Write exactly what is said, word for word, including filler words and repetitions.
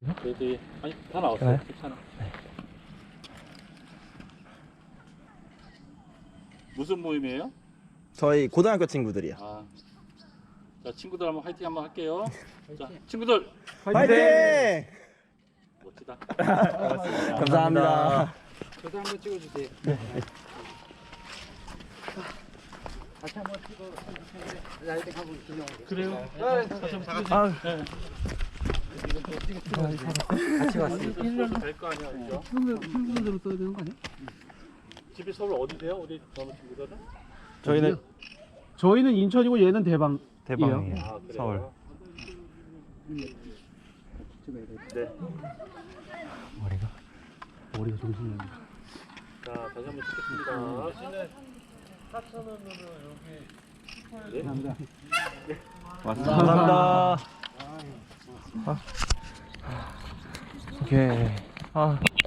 저희들이 아니 다 나왔어요. 그래요? 괜찮아. 무슨 모임이에요? 저희 고등학교 친구들이요. 아, 자 친구들 한번 화이팅 한번 할게요. 자 친구들 화이팅! 멋지다. 감사합니다. 저도 한번 찍어주세요. 같이 한번 찍어주세요. 라이딩 한번 기념으로. 그래요? 아, 같이 왔어요. 서울 될거 아니야, 그죠? 한국으로 써야 되는 거 아니야? 집이 서울 어디세요? 우리 젊은 친구들은? 저희는 저희는 인천이고 얘는 대방. 대방이에요. 아, 그래요? 서울. 네. 머리가. 머리가 정신이 없네. 자 다시 한번 찍겠습니다. 네. 감사합니다. 감사합니다. 아. 오케이. 아.